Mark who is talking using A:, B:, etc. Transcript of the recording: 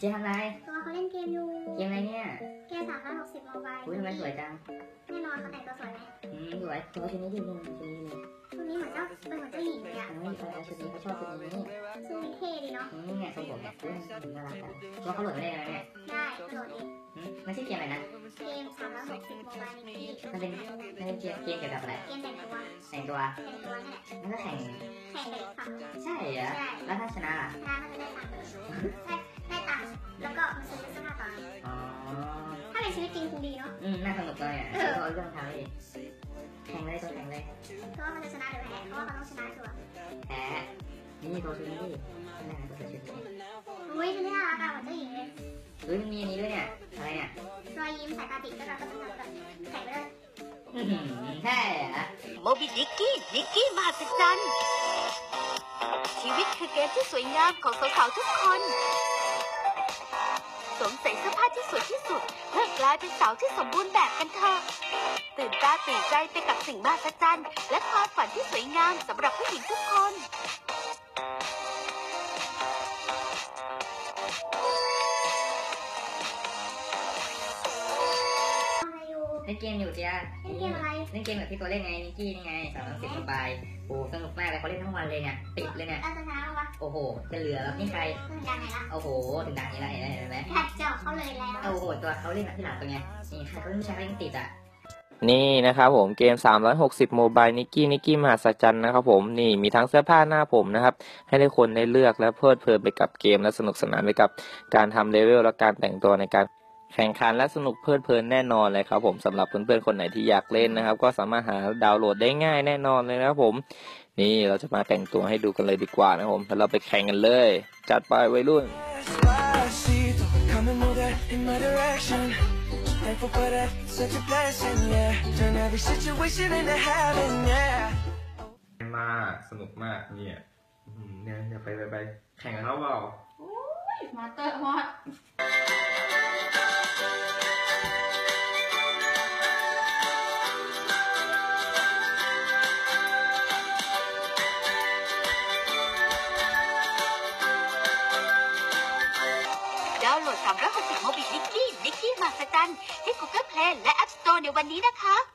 A: จ๊ทำไร
B: ตัวเขาเล่นเกมอยู่
A: เกมอะไรเนี่ย
B: เกม360โมบาย
A: อุ้ยทำไมสวยจัง
B: แน่นอนเขาแต่งตัวสวยไหม
A: สวยตัวชุดนี้ดีเลย
B: ชุดนี้เหมือนเจ้าหญิงเลยอ่ะ
A: ชุดนี้เขาชอบชุดนี้
B: ชุดนี้เท่ดีเนาะ
A: เนี่ยทรงผมเนี่ยน่ารักจังตัวเขาโหลดได้ไหมเนี่ย
B: ได้โหลดเอง
A: มันชื่อเกมอะไรนะ
B: เกม360โมบายนิกกี้
A: มันเป็นเกมเกี่ยวกับอะไร
B: เกมแต่งตัว
A: นี่แหละมันก็แข่ง
B: เด็กค่ะ
A: ใช่เหรอแล้วถ้าชนะล่ะ
B: ชนะก็จะได้ตังค์ได้ตังค์แล้วก็มาซื้อเสื้อผ้าต่อถ้าเป็นชีวิตจริงคงดีเนาะ
A: น่าสนุกเลยอ่ะเขาเรื่องทำเลยแข่งเลยตัวแข่งเลย
B: เพราะว่ามันจะชนะหรือแพ้เพราะว่ามันต้องชนะชัวร์
A: แพ้นี่ตัวชุดนี้ดินี่ตัวชุดนี้
B: อุ้ยชุดนี้น่ารักอ่ะเหมือนเจ้าหญิงเลย
A: มันมีอันนี้ด้วยเนี่ยอะไรเนี่ย
B: รอยยิ้มสายตาติดก็จะแบบแข่งเลย
A: ใช่อะ
C: โมบินิกกี้มหัศจรรย์ชีวิตคือเกมที่สวยงามของสาวๆทุกคนสวมใส่เสื้อผ้าที่สวยที่สุดเพื่อกลายเป็นสาวที่สมบูรณ์แบบกันเถอะตื่นตาตื่นใจไปกับสิ่งมหัศจรรย์และความฝันที่สวยงามสำหรับผู้หญิงทุกคน
A: เล่นเกมอยู่จ้า
B: เล่นเกมอะไร
A: เล่นเกมแบบที่ตัวเล่นไงนิกกี้นี่ไง360โมบายโอ้สนุกมากเลยเขาเล่นทั้งวันเลยเนี่ยติดเลยเนี่ย
B: จะชนะวะ
A: โอ้โหจะเหลือแล้วนี่ใคร
B: ถึงดังไหนละ
A: โอ้โหถึงดังนี้ละเห็นไหม
B: แทบเจาะเขาเลยแล้ว
A: โอ้โหตัวเขาเล่นที่หลังตัวไงนี่ใครเขาเล่นผู้ชายเล่นติดอ่ะ
D: นี่นะครับผมเกม360โมบายนิกกี้มหัศจรรย์นะครับผมนี่มีทั้งเสื้อผ้าหน้าผมนะครับให้ได้คนได้เลือกและเพลิดเพลินไปกับเกมและสนุกสนานไปกับการทำเลเวลและการแต่งตัวในการแข่งขันและสนุกเพลิดเพลินแน่นอนเลยครับผมสำหรับเพื่อนๆคนไหนที่อยากเล่นนะครับก็สามารถหาดาวน์โหลดได้ง่ายแน่นอนเลยนะครับผมนี่เราจะมาแต่งตัวให้ดูกันเลยดีกว่านะครับผมแล้วเราไปแข่งกันเลยจัดไปวัยรุ่น
E: Thankful for that, such a blessing, yeah. Turn every situation into heaven, yeah.
D: มากสนุกมากเนี่ยเนี่ยไปแข่งกันแล้วเปล่า
B: มาเตอร์มอด
C: ดาวน์โหลด360โมบินิกกี้มหัศจรรย์ที่ Google Play และ App Store ในวันนี้นะคะ